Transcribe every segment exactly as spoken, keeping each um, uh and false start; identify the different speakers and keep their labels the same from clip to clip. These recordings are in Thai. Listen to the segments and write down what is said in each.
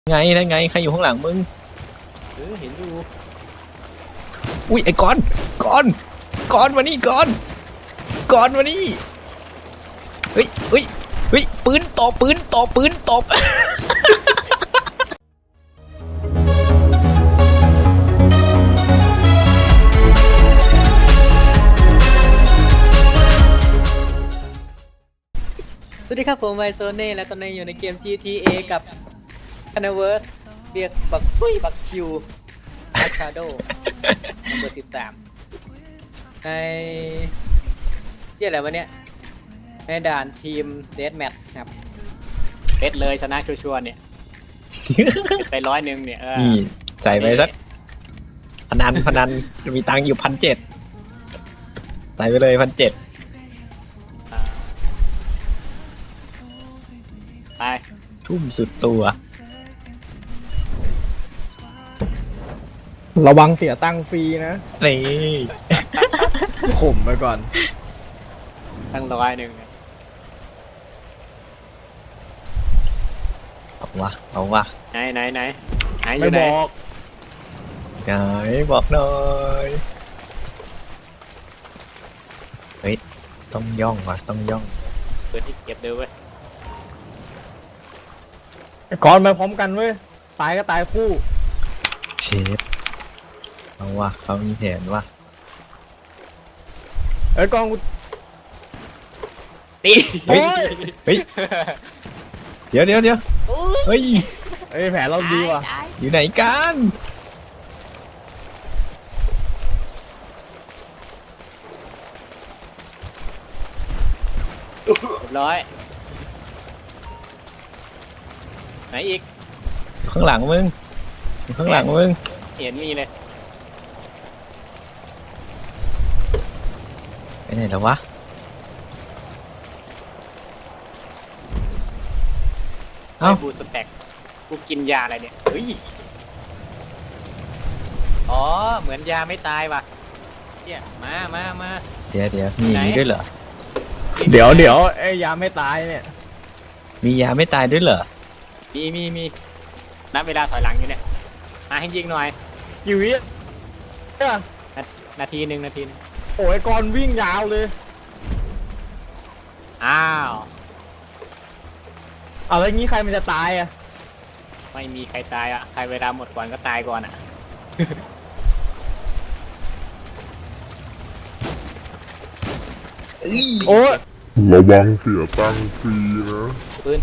Speaker 1: ไงนั่นไงใครอยู่ข้างหลังมึง
Speaker 2: เออเห็นอยู่
Speaker 1: อุ้ยไอ้ก้อนก้อนก้อนมานี่ก้อนก้อนมานี่เฮ้ยเฮ้ยเฮ้ยปืนตบปืนตบปืนตบ
Speaker 2: สวัสดีครับผมไมโซเน่และตอนนี้อยู่ในเกม จี ที เอ กับคานาเวิร์สเรียกบักซุยบักคิวอาร์ชาโดเบอร์สิบสามในเรียกอะไรวะเนี่ยในด่านทีมเดธแมทครับเดธเลยชนะชัวร์ๆเนี่ยไปร้อยหนึ่งเนี่ยเออ
Speaker 1: นี่ใส่ไปสักพนันพนันมีตังค์อยู่พันเจ็ดใส่ไปเลยพันเจ็ด
Speaker 2: ไป
Speaker 1: ทุ่มสุดตัว
Speaker 3: ระวังเสียตังค์ฟรีนะ
Speaker 1: นี่
Speaker 3: ข่มไปก่อน
Speaker 2: ตั้งร้อยหนึ่ง
Speaker 1: เอาวะเอาวะ
Speaker 2: ไหนไหนไหนไหนอ
Speaker 3: ไม่
Speaker 2: ยู่ไหน
Speaker 3: บอก
Speaker 1: ไหนบอกหน่อยเฮ้ยต้องย่องว่ะต้องย่อง
Speaker 2: เปิดที่เก็บเดี๋ยวเว้ย
Speaker 3: ก่อนมาพร้อมกันเว้ยตายก็ตายคู่
Speaker 1: เชฟเอาวะเขามีแผนวะ
Speaker 3: เอ้ยกองกู
Speaker 2: ตี
Speaker 1: เฮ้ยเฮ้ยเดี๋ยวเดี๋ยวเดี๋ยวเฮ้ย
Speaker 3: เอ้ยแผนเราดีว่ะ
Speaker 1: อยู่ไหนกัน
Speaker 2: ร้อยไหนอีก
Speaker 1: อยู่ข้างหลังมึงอยู่ข้างหลังมึง
Speaker 2: เห็นมีเลย
Speaker 1: ไปไหนแล้ววะ
Speaker 2: เอ้าบูสแต็กกูกินยาอะไรเนี่ยเฮ้ยอ๋อเหมือนยาไม่ตายว่ะเนี่ยมามามา
Speaker 1: เดี๋ยวเดี๋ยวมีอย่างนี้ด้วยเหรอ
Speaker 3: เดี๋ยวเดี๋ยวไอ้ยาไม่ตายเนี่ย
Speaker 1: มียาไม่ตายด้วยเหรอ
Speaker 2: มีมีมีนับเวลาถอยหลังอยู่เนี่ยมาให้ยิงหน่อย
Speaker 3: กี่วิ
Speaker 2: นาทีหนึ่งนาทีนึง
Speaker 3: โอ้ยก่อนวิ่งยาวเลย
Speaker 2: อ้าว
Speaker 3: เอาแล้วงี้ใครมันจะตายอ่ะ
Speaker 2: ไม่มีใครตายอ่ะใครเวลาหมดก่อนก็ตายก่อนอ่ะ
Speaker 3: โอ้ย
Speaker 4: ระวังเสียตังค์ฟรีนะ
Speaker 2: ปืน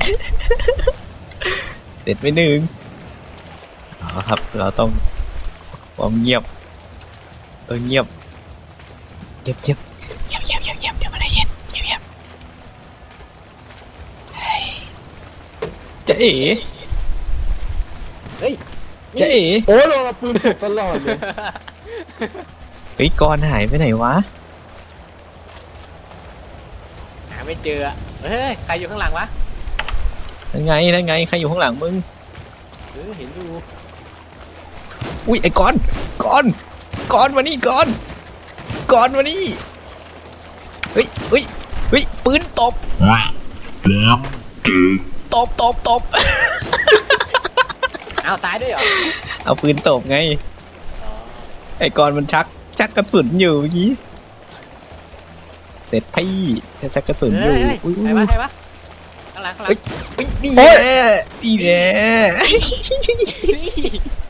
Speaker 1: เด็ดไปหนึ่งอ๋อครับเราต้องความเงียบเออเงียบเงียบเงียบเงียบเงียบเงียบเงียบเดี๋ยวมันได้ยินเงียบเงียบจะเอ๋
Speaker 2: เฮ้ย
Speaker 1: จะเอ๋
Speaker 3: โอ้ยเราปืนตลอดเลย
Speaker 1: เฮ้ยกอนหายไปไหนวะ
Speaker 2: หาไม่เจอเฮ้ยใครอยู่ข้างหลังวะ
Speaker 1: นั่นไงนั่นไงใครอยู่ข้างหลังมึง
Speaker 2: เออเห็นอยู่
Speaker 1: อุ้ยไอ้กอนกอนกอนมานี่กอนกอนมานี่เฮ้ยเฮ้ยเฮ้ยปืนตบตบตบตบ
Speaker 2: เอาตายด้วยเหรอ
Speaker 1: เอาปืนตบไงไอ้กอนมันชักชักกระสุนอยู่เมื่อกี้เสร็จพี่ชักกระสุนอยู่
Speaker 2: ใครวะใครวะข้างหลังข้างหลัง
Speaker 1: นี่แหละนี่แหละ